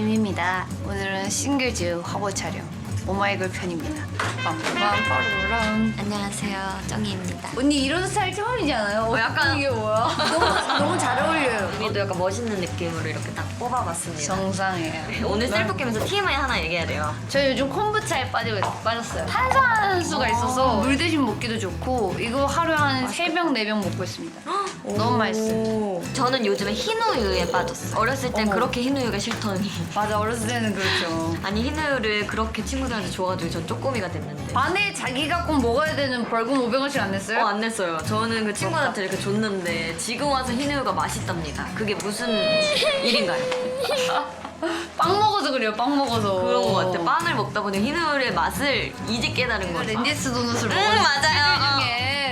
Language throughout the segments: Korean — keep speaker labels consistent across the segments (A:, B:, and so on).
A: 김입니다. 오늘은 싱글즈 화보 촬영 오마이걸 편입니다. 빰빰빠르르랑.
B: 안녕하세요, 정희입니다.
A: 언니 이런 스타일 처음이지 않아요?
B: 약간-
A: 이게 뭐야? 너무 잘 어울려요.
B: 우리도 약간 멋있는 느낌으로 이렇게 딱 뽑아봤습니다.
A: 정상이에요.
B: 오늘 셀프 캠에서 TMI 하나 얘기해야 돼요.
A: 저 요즘 콤부차에 빠졌어요. 탄산수가 있어서 물 대신 먹기도 좋고 이거 하루에 한 3병, 4병 먹고 있습니다. 너무 맛있어요.
B: 저는 요즘에 흰우유에 빠졌어요. 어렸을 땐
A: 어머.
B: 그렇게 흰우유가 싫더니
A: 맞아, 어렸을 때는 그렇죠.
B: 아니 흰우유를 그렇게 친구들한테 줘가지고 전 쪼꼬미가 됐는데
A: 반에 자기가 꼭 먹어야 되는 벌금 500원씩 안 냈어요?
B: 안 냈어요. 저는 그 친구한테 이렇게 줬는데 지금 와서 흰우유가 맛있답니다. 그게 무슨 일인가요?
A: 빵 먹어서 그래요, 빵 먹어서.
B: 그런 것 같아. 빵을 먹다 보니 흰우유의 맛을 이제 깨달은 거죠.
A: 렌지스 도넛을 먹었는데
B: 맞아요.
A: 중에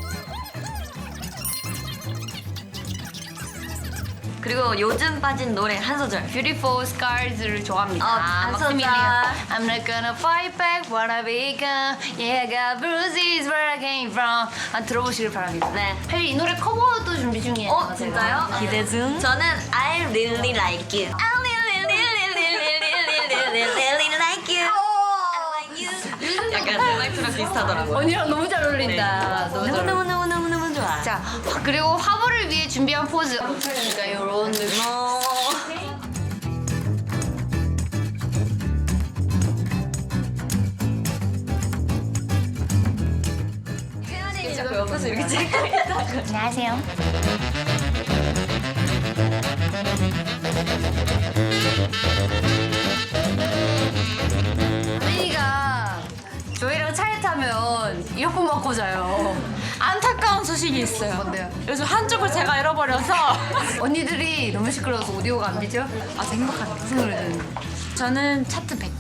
B: 그리고 요즘 빠진 노래 한 소절.
A: Beautiful Scars를 좋아합니다.
B: 안
A: 막스밀리언.
B: 썼다.
A: I'm not gonna fight back what I become. Yeah, I got bruises where I came from. 들어보시길 바랍니다.
B: 네.
A: 사실 이 노래 커버도 준비 중이에요.
B: 진짜요?
A: 제가.
B: 기대 중. 저는 I really like you. I really like you. I like you. 약간 음악처럼 비슷하더라고요.
A: 언니랑 너무 잘 어울린다. 너무 잘 어울린다.
B: 너무 좋아.
A: 자, 그리고 화보를 위해 준비한 포즈. 그러니까 이런 느낌.
B: 자꾸 옆에서 이렇게 찍고 있다가.
A: 안녕하세요. 언니가 저희랑 차에 타면 이어폰 받고 자요.
C: 안타까운 소식이 있어요.
A: 뭔데요?
C: 요즘 한쪽을 제가 잃어버려서
A: 언니들이 너무 시끄러워서 오디오가 안 되죠?
C: 아주 행복한데.
A: 무슨 노래 듣는데?
C: 저는 차트 100.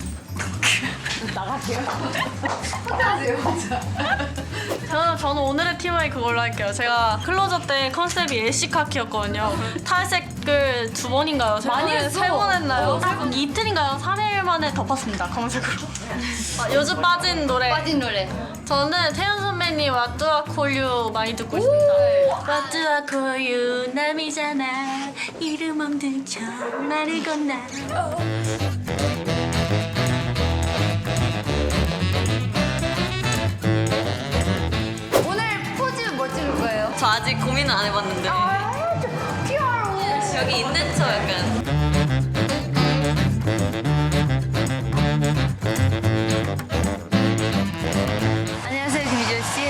A: 하세요, 진짜.
C: 저는 오늘의 TMI 그걸로 할게요. 제가 클로저 때 컨셉이 애쉬카키였거든요. 탈색을 2번인가요?
A: 많이 했어.
C: 3번 했나요?
A: 어, 세 번.
C: 이틀인가요? 3일 만에 덮었습니다. 검색으로. 요즘 빠진 노래.
A: 빠진 노래.
C: 저는 태연 선배님 What Do I Call You 많이 듣고 있습니다. What Do I Call You 남이잖아 이름 없는 척 말을 건나.
A: 오늘 포즈 뭐 찍을 거예요?
B: 저 아직 고민은 안 해봤는데.
A: 피아로.
B: 여기 있는 척 약간.
A: 안녕하세요, 김희조 씨.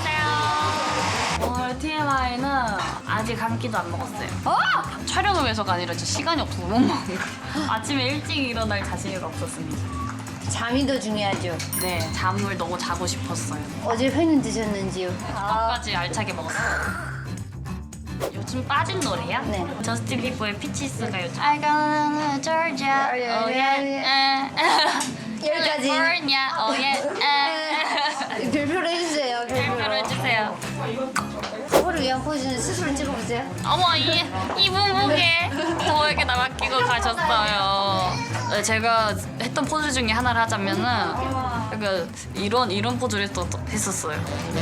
C: 오늘 TMI는 아직 한 끼도 안 먹었어요. 촬영을 위해서가 아니라 저 시간이 없어서 못 먹은 거. 아침에 일찍 일어날 자신이 없었습니다.
A: 잠이 더 중요하죠.
C: 네, 잠을 너무 자고 싶었어요.
A: 어제 회는 드셨는지요?
C: 끝까지 알차게 먹었어요. 요즘 빠진 노래야?
A: 네.
C: 저스틴 비버의 피치스가 요즘 I gonna Georgia, oh yeah,
A: 여기까지.
C: California, oh yeah,
A: 별표로 해주세요.
C: 별표로 해주세요.
A: 커버를 위한 포즈는 스스로 찍어보세요.
C: 어머 이 분무게 저에게 맡기고 가셨어요. 네, 제가 했던 포즈 중에 하나를 하자면은 약간 이런 포즈를 또 했었어요.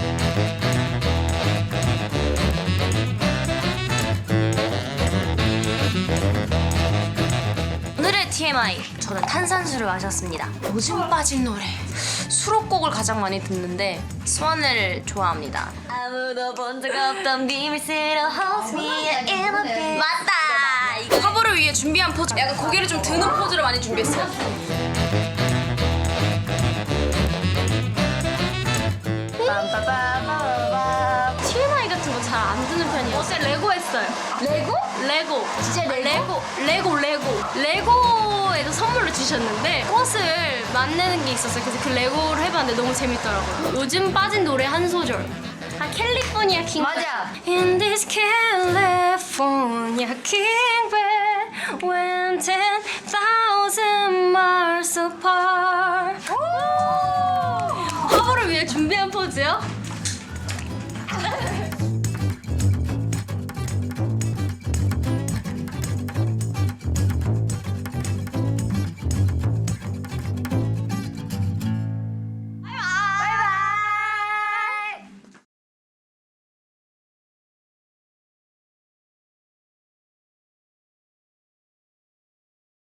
D: 오늘의 TMI 저는 탄산수를 마셨습니다. 요즘 빠진 노래 수록곡을 가장 많이 듣는데 스완을 좋아합니다.
B: 아무도 본 적 없던 비밀스러운 Hold me in a bit.
D: 맞다! 이거 화보를 위해 준비한 포즈 약간 고개를 좀 드는 포즈를 많이 준비했어요. TMI 같은 거 잘 안 드는 편이에요. 어제 레고 했어요.
A: 레고?
D: 레고.
A: 진짜 레고?
D: 레고에서 선물로 주셨는데 꽃을 만드는 게 있었어요. 그래서 그 레고를 해봤는데 너무 재밌더라고요. 요즘 빠진 노래 한 소절. 캘리포니아 킹.
A: 맞아.
D: In this California king bed when 10,000 miles apart. 화보를 위해 준비한 포즈요?